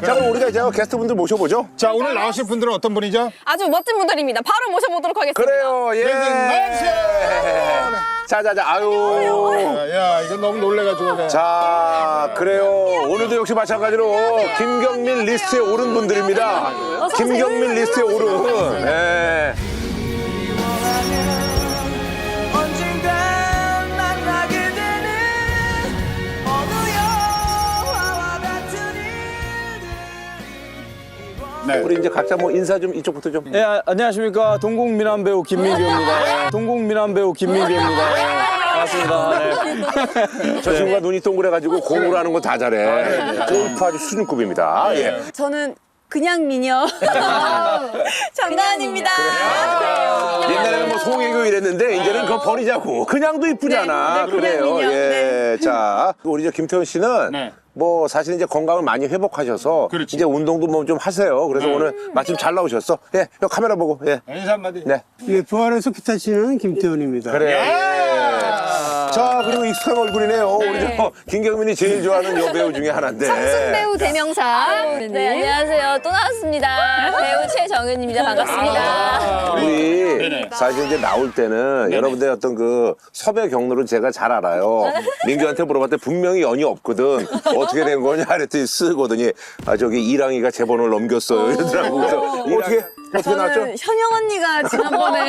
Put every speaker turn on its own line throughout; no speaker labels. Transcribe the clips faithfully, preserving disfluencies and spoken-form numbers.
자, 그럼 우리가 이제 게스트분들 모셔보죠.
자, 오늘 나오실 분들은 어떤 분이죠?
아주 멋진 분들입니다. 바로 모셔보도록 하겠습니다.
그래요, 예. 자, 자, 자, 아유.
야, 야, 이거 너무 놀래가지고. 그냥.
자, 그래요. 오늘도 역시 마찬가지로 김경민 리스트에 오른 분들입니다. 김경민 리스트에 오른. 예.
네.
우리 이제 각자 뭐 인사 좀 이쪽부터 좀.
예, 아, 안녕하십니까. 동국미남 배우 김민규입니다. 예, 동국미남 배우 김민규입니다. 예, 반갑습니다. 네.
저 친구가 눈이 동그래가지고 공부를 하는 거 다 잘해. 골프 아주 수준급입니다. 예.
저는 그냥 미녀 장나은입니다.
옛날에는 뭐 송혜교 이랬는데 이제는 그거 버리자고. 그냥도 이쁘잖아.
네, 네,
그래요.
그냥 미녀.
예.
네.
자, 우리 저 김태현 씨는
네.
뭐 사실 이제 건강을 많이 회복하셔서
그렇지.
이제 운동도 뭐 좀 하세요. 그래서 오늘 마침 잘 나오셨어. 예, 여 카메라 보고. 예.
인사 한마디.
네.
예, 부활에서 기타 치는 김태훈입니다.
그래요. 예. 자, 그리고 익숙한 얼굴이네요. 우리 저 김경민이 제일 좋아하는 여배우 중에 하나인데.
배우 대명사.
네, 안녕하세요. 또 나왔습니다. 배우 최정은입니다. 반갑습니다.
우리
네네.
사실 이제 나올 때는 여러분들의 어떤 그 섭외 경로를 제가 잘 알아요. 민규한테 물어봤더니 분명히 연이 없거든. 어떻게 된 거냐 그랬더니 쓰거든요. 아, 저기 이랑이가 제 번호를 넘겼어요. 이러더라고. 그래서 어떻게, 어떻게 나왔죠?
저는 현영 언니가 지난번에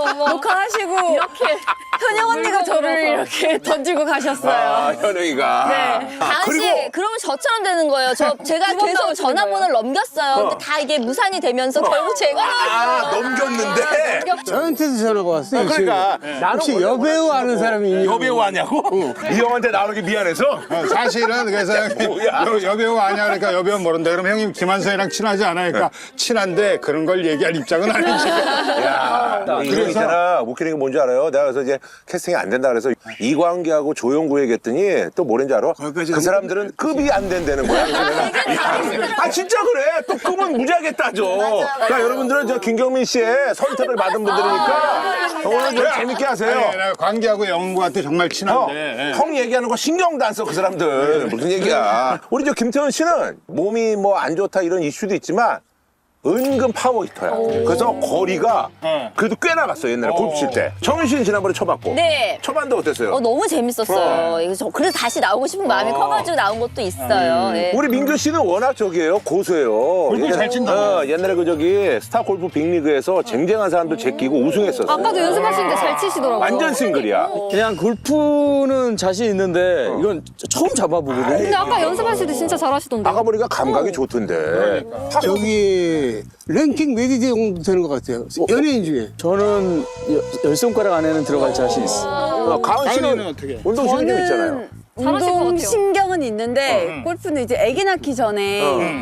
녹화하시고 이렇게 현영 언니가 저를 이렇게 던지고 가셨어요.
아, 현영이가.
네.
다은 씨, 그러면 저처럼 되는 거예요. 저 제가
두번
계속
나오시는
전화번호를 넘겼어요. 근데 다 이게 무산이 되면서 결국 제가
아,
나왔어요.
넘겼는데.
저한테도 전화가 왔어요.
그러니까
지금.
나는
혹시
원래
여배우 아는 사람이 있냐고.
여배우 아냐고? 이 형한테 나오기 미안해서?
어, 사실은 그래서
뭐야.
여, 여배우 아니야 그러니까 여배우 모른다. 그럼 형님 김한선이랑 친하지 않아요? 그러니까 친한데 그런 걸 얘기할 입장은 아니지.
야, 이거 있잖아. 웃기는 게 뭔지 알아요? 내가 그래서 이제 캐스팅이 안 된다 그래서 이광기하고 조용구 얘기했더니 또 뭐랬는지 알아? 그 사람들은 급이 안 된다는 거야. 그래서 내가 야, 아, 진짜 그래. 또 급은 무지하게 따져. 그러니까 여러분들은 저 김경민 씨의 선택을 받은 분들이니까 오늘 좀 재밌게 하세요.
아니, 내가 광기하고 영구한테 정말
어,
친한데.
형 얘기하는 거 신경도 안 써, 그 사람들. 무슨 얘기야. 우리 저 김태현 씨는 몸이 뭐 안 좋다 이런 이슈도 있지만 은근 파워히터야. 그래서 거리가
어.
그래도 꽤 나갔어, 옛날에 골프 칠 때. 정은 씨는 지난번에 쳐봤고.
네.
쳐봤는데 어땠어요?
어, 너무 재밌었어요. 이거 저- 그래서 다시 나오고 싶은 마음이 커가지고 나온 것도 있어요. 예.
우리 민규 씨는 워낙 저기예요, 고수예요.
골프 잘 친다.
어, 옛날에 그 저기 스타 골프 빅리그에서 쟁쟁한 사람들 제끼고 우승했었어.
아까도 연습하시는데 잘 치시더라고요.
완전 싱글이야.
그냥 골프는 자신 있는데 이건 처음 잡아보거든요.
근데 아까 연습하실 때 진짜 잘하시던데.
아까 보니까 감각이 좋던데.
저기 랭킹 몇 위 정도 되는 것 같아요. 연예인 중에.
저는 여- 열 손가락 안에는 들어갈 자신 있어.
어, 가은 씨는
가은이는 어떻게?
운동신경 좀 있잖아요.
운동 신경은 있는데 골프는 이제 아기 낳기 전에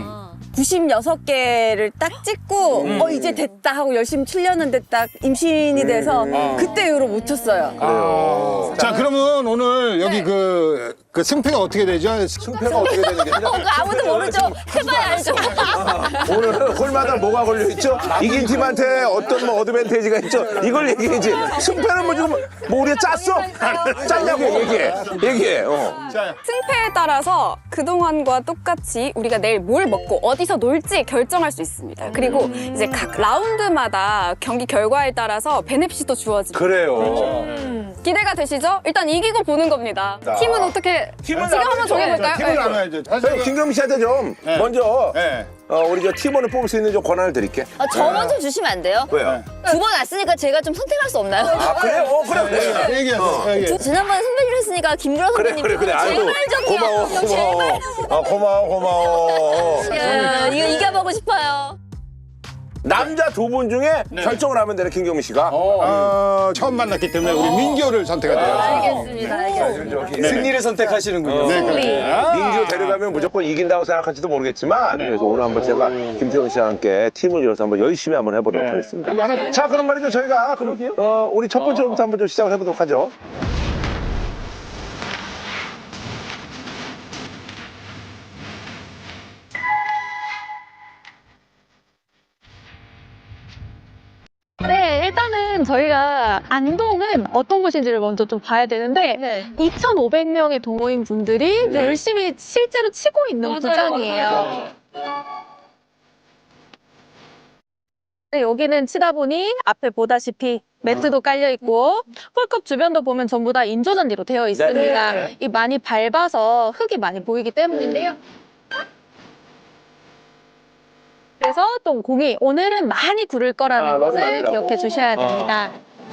구십육 개를 딱 찍고 어 이제 됐다 하고 열심히 치려는데 딱 임신이 돼서 그때 이후로 못 쳤어요.
자, 그러면 오늘 여기 그, 그 승패가 어떻게 되죠?
승패가 어떻게 되는 게 아니라
어, 그거 아무도 모르죠. 해봐야 알죠.
오늘 홀마다 뭐가 걸려있죠? 이긴 팀한테 어떤 뭐 어드밴테이지가 있죠? 이걸 얘기해야지. 승패는 뭐 지금 뭐 우리가 짰어? 짰냐고 얘기해. 얘기해. 어.
승패에 따라서 그동안과 똑같이 우리가 내일 뭘 먹고 어디서 놀지 결정할 수 있습니다. 그리고 이제 각 라운드마다 경기 결과에 따라서 베네핏도 주어집니다.
그래요.
기대가 되시죠? 일단 이기고 보는 겁니다. 팀은 어떻게
팀은
지금 한번
나눠야죠.
정해볼까요?
팀을
네.
나눠야죠.
저희
사실
김경민 씨한테 좀
네.
먼저
네.
어, 우리 저 팀원을 뽑을 수 있는 좀 권한을 드릴게.
아, 저 먼저 주시면 안 돼요?
왜요?
두 번 왔으니까 제가 좀 선택할 수 없나요?
아, 그래? 어, 그래, 그래.
얘기하세요. 얘기해.
두- 지난번에 선배님 했으니까 김구라
그래,
선배님
그래, 그래. 아이고,
제발 좀요.
고마워,
형, 제발
고마워. 아, 고마워, 고마워.
야, 이거 이겨보고 싶어요.
남자 두 분 중에 결정을 하면 되는 김경민 씨가.
어, 처음 만났기 때문에 우리 민규를 선택하대요.
알겠습니다. 알겠습니다.
승리를 선택하시는군요.
네, 그렇게.
민규 데려가면 무조건 이긴다고 생각할지도 모르겠지만 그래서 오늘 한번 제가 김태훈 씨와 함께 팀을 이뤄서 한번 열심히 한번 해보도록 하겠습니다. 자, 그럼 말이죠. 저희가 그럼 어, 우리 첫 번째로부터 한번 좀 시작을 해보도록 하죠.
네, 일단은 저희가 안동은 어떤 곳인지를 먼저 좀 봐야 되는데
네.
이천오백 명의 동호인 분들이 열심히 실제로 치고 있는 구장이에요. 네, 여기는 치다 보니 앞에 보다시피 매트도 깔려 있고 홀컵 주변도 보면 전부 다 인조잔디로 되어 있습니다. 이 많이 밟아서 흙이 많이 보이기 때문인데요. 그래서 또 공이 오늘은 많이 구를 거라는
아,
것을
맞습니다.
기억해 주셔야 됩니다.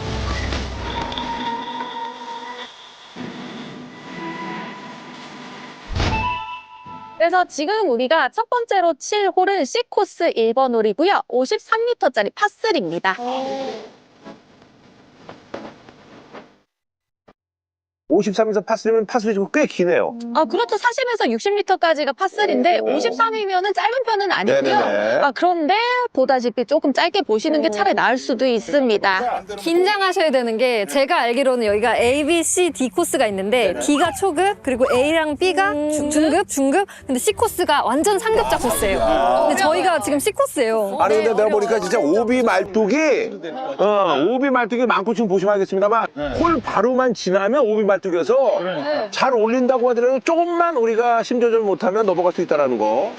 그래서 지금 우리가 첫 번째로 칠 홀은 C코스 일 번 홀이고요. 오십삼 미터짜리 파삼입니다.
오십삼 미터 파스리면 파스리 좀 꽤 기네요.
아, 그렇죠. 사십에서 육십 미터까지가 파삼인데 오십삼이면은 짧은 편은 아니고요.
네네네.
아, 그런데 보다시피 조금 짧게 보시는 게 차라리 나을 수도 있습니다.
긴장하셔야 되는 게 제가 알기로는 여기가 A, B, C, D 코스가 있는데 D가 초급 그리고 A랑 B가 중- 중급, 중급 근데 C 코스가 완전 상급자 코스예요. 근데 저희가 지금 C 코스예요.
아니 근데 내가 보니까 진짜 오비 말뚝이 어 오비 말뚝이 많고 지금 보시면 알겠습니다만 홀 바로만 지나면 오비 말뚝이어서 잘 올린다고 하더라도 조금만 우리가 심조절 못하면 넘어갈 수 있다는 거.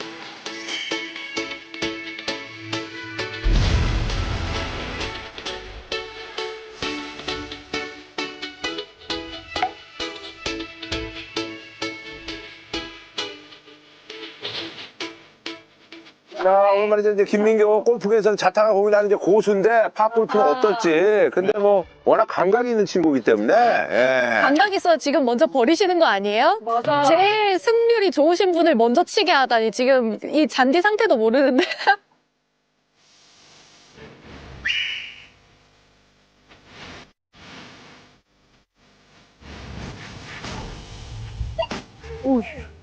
자, 오늘 말이죠. 이제 김민경 골프에서는 자타가 고민하는 이제 고수인데 팝골프는 어떨지. 근데 뭐 워낙 감각이 있는 친구이기 때문에. 예.
감각 있어 지금 먼저 버리시는 거 아니에요? 맞아. 제일 승률이 좋으신 분을 먼저 치게 하다니 지금 이 잔디 상태도 모르는데. 오.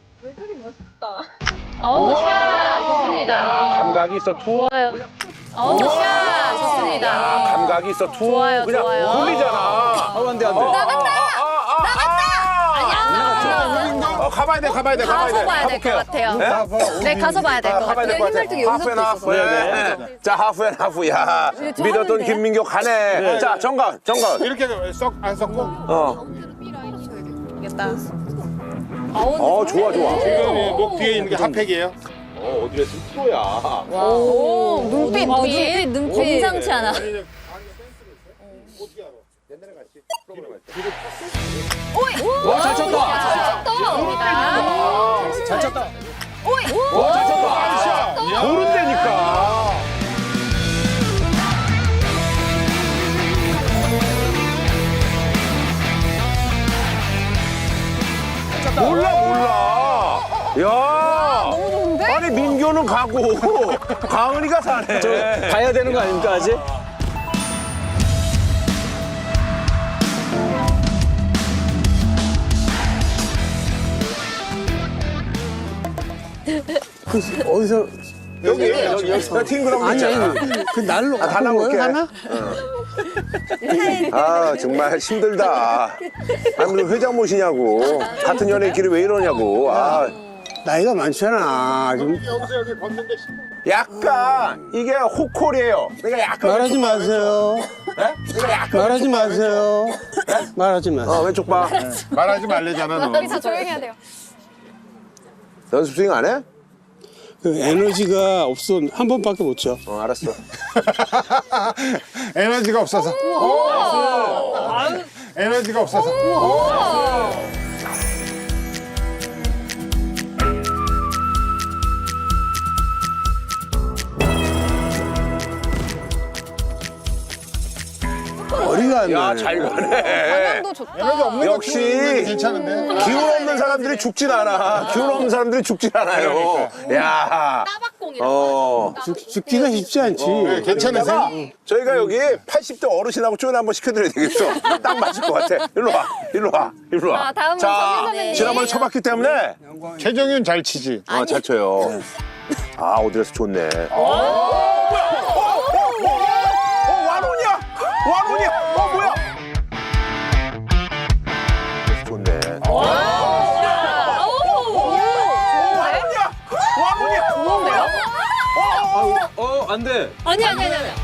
어우, 샷! 좋습니다.
감각이 있어 투어.
좋아요. 어우, 샷! 좋습니다.
감각이 있어 투어.
좋아요,
그냥
좋아요.
돌리잖아.
아, 안 돼, 안 돼.
나갔다. 나갔다.
아니, 안 나갔죠.
어, 가봐야 돼, 가봐야 돼, 가봐야 돼.
가서 봐야 될 것 같아요. 네, 가서 봐야 될 것
가봐야
같아요.
될 것 같아.
흰말뚝이 여기서
하프앤 하프.
네네.
자, 하프앤 하프. 야,
저
믿었던
하는데.
김민경 가네. 자, 정관, 정관.
이렇게 썩 안 썩고
어, 어, 좋아, 좋아.
지금 목 뒤에 있는 게 핫팩이에요.
어, 어디에 있으면 프로야.
오, 눈빛,
눈빛,
눈빛, 눈빛.
심상치 않아.
와, 잘 쳤다. 잘 쳤다.
와, 잘 쳤다. 모른다니까. 몰라, 몰라. 야.
너무 좋은데?
아니, 민교는 가고, 가은이가 사네.
저 가야 되는 거 아닙니까, 아직?
그 어디서
여기, 여기, 여기. 팅그럼
아니
있잖아.
아니 그 날로
아,
갖고
달라볼게.
온 거예요, 하나?
아, 정말 힘들다. 아니, 무슨 회장 모시냐고. 같은 연예인끼리 왜 이러냐고. 아,
나이가 많잖아. 좀
약간, 이게 호콜이에요. 그러니까 약간.
말하지
왼쪽 봐,
마세요.
왼쪽. 네? 그러니까 약간.
말하지
왼쪽 봐,
마세요. 말하지
왼쪽. 어,
마세요.
왼쪽 봐.
말하지 말래잖아 너.
여기서 조용히 해야 돼요.
연습 스윙 안 해?
그 에너지가 없어 한 번밖에 못 쳐.
어, 알았어.
에너지가 없어서. 에너지가 없어서.
머리가 안
야,
나네.
잘 가네.
도 좋다.
에너지 없는 거
역시.
키우는 게 괜찮은데.
기운 없는 사람들이 죽진 않아. 기운 없는 사람들이 죽진 않아요. 야. 어.
죽- 죽기가 쉽지 않지.
네, 괜찮으세요?
저희가 여기 팔십 대 어르신하고 쪼연 한번 시켜드려야 되겠어. 딱 맞을 것 같아. 일로 와, 일로 와, 일로 와.
아, 다음은
자,
성현 선배님.
지난번에 쳐봤기 때문에
최정윤 잘 치지.
어, 잘 쳐요. 아, 어디에서 좋네. 어, 뭐야? 어, 어, 어, 어, 어, 완원이야! 완원이야! 어, 뭐야? 좋네. 완원이야! 완원이야!
어, 안 돼.
아니, 아니, 아니. 아니.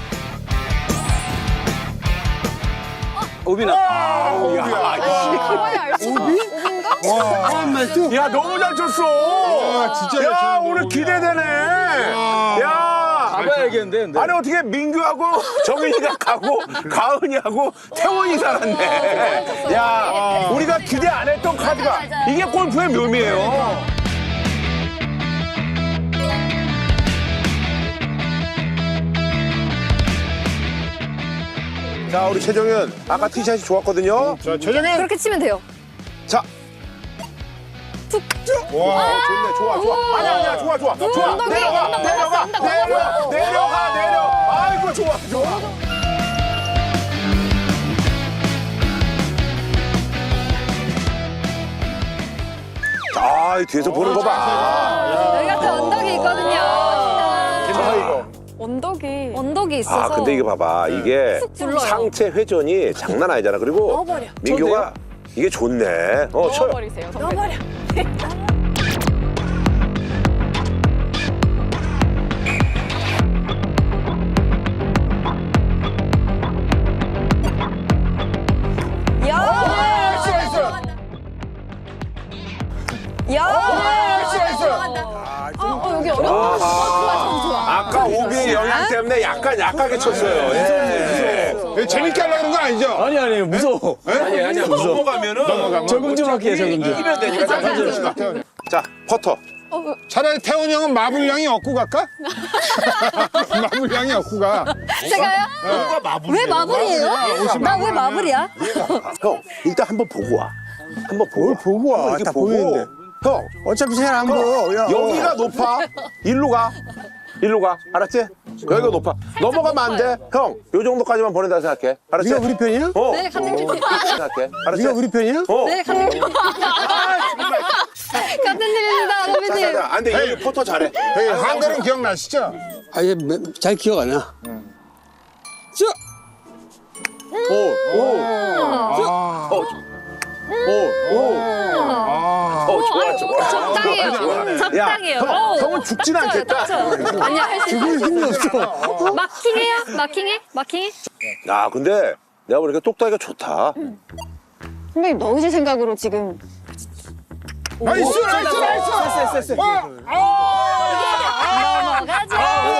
오비나.
아우, 야,
가와이 알수
아, 말도
야, 너무 잘 쳤어.
와, 진짜 잘
야,
쳤네,
오늘
너무.
기대되네. 야,
누가 얘기했는데? 근데?
아니 어떻게 민규하고 정윤이가 가고 가은이하고 태원이 살았네. 야, 우리가 기대 안 했던 카드가 이게 골프의 묘미예요. 자, 우리 최정현 아까 티샷이 좋았거든요.
자, 최정현.
그렇게 치면 돼요.
자,
와.
어, 좋네, 좋아, 좋아. 아니야, 아니야, 좋아, 좋아, 좋아.
언덕이,
내려가,
언덕
내려가,
언덕
내려가,
언덕
내려가, 내려. 아이고, 좋아, 좋아. 아, 이 뒤에서 보는 거 봐.
여기 같은 언덕이 있거든요.
아이고.
언덕이.
언덕이 있어서.
아, 근데 이게 봐봐. 이게
굴러요.
상체 회전이 장난 아니잖아. 그리고
넣어버려.
민규가 이게 좋네. 어, 쳐요.
넣어버리세요.
넣어버려.
아까 오비의 영향 때문에 약간 약하게 쳤어요. 예.
이거 재밌게 하려고 그런 거 아니죠?
아니, 아니, 무서워.
아니, 아니야. 넘어가면은
적응 좀 할게요, 적응 좀.
이기면 되니까. 자, 자, 자, 자, 퍼터.
차라리 태훈 형은 마블량이 얻고 갈까? 마블량이 얻고 가.
제가요? 왜 마블이에요? 나 왜 마블이야?
형, 일단 한번 보고 와. 한번 보고 와.
보고 와.
이렇게
다
보고.
보이는데.
형,
어차피 잘 안 보여. 야,
여기가 높아. 일로 가. 일로 가. 알았지? 여기가 높아. 넘어가면 안 돼. 형, 요 정도까지만 보낸다 생각해. 알았지?
네가 우리 편이야?
어.
네, 감독님.
생각해. 알았지?
네가 우리 편이야?
어.
네, 감독님. 같은 일입니다,
자, 자,
선배님.
자. 안 돼. 여기 포터 잘해.
여기 한글은 기억나시죠?
아, 이게 매- 잘 기억 안 나. 자,
오, 오. 어, 오, 오.
아.
어, 좋아, 좋아.
적당해요.
야,
적당해요.
형,
어우,
형은 죽진 않겠다.
아니야, 할 수 있어.
죽을 힘이 없어.
마킹해요? 마킹해? 마킹해?
야, 근데 내가 보니까 똑딱이가 좋다.
선배님 넣으실 생각으로 지금.
나이스, 나이스, 나이스. 와, 아.
넘어가자.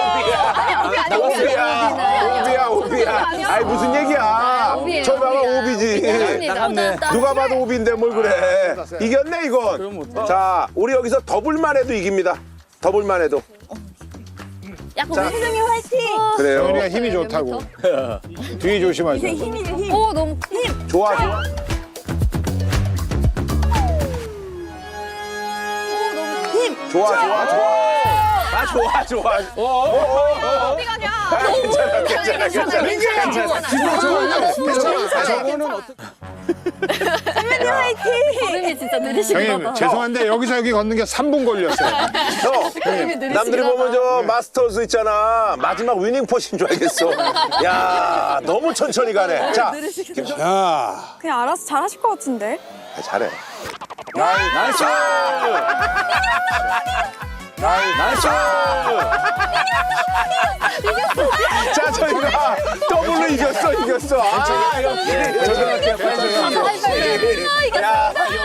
오비야, 오비야, 오비야. 아이, 무슨 얘기야.
오비예요,
저기 봐봐,
오비야.
오비지.
인정합니다.
나갔네.
누가 봐도 오비인데 뭘 그래. 이겼네, 이건. 자, 우리 여기서 더블만 해도 이깁니다. 더블만 해도.
약간 우리 화이팅!
그래요.
태훈이가 힘이 좋다고. 뒤에 조심하세요.
오, 너무.
좋아, 좋아. 좋아, 좋아, 좋아. 아, 좋아, 좋아. 오, 오, 오.
어디 가냐?
아, 괜찮아, 괜찮아, 괜찮아. 괜찮아.
저거는 어떻게.
걸음이 진짜 느리신가
형님,
봐.
죄송한데 여기서 여기 걷는 게 삼 분 걸렸어요.
형, 남들이 보면 저 마스터즈 있잖아. 마지막 위닝 퍼신 줄 알겠어. 야, 너무 천천히 가네. 자,
야,
그냥 알아서 잘하실 것 같은데.
아, 잘해.
나이스! 나이스!
자, 저희가 더블로 이겼어, 이겼어. 아, 역시.
저기 할게요, 빨리 저기 할게요.
역시. 야,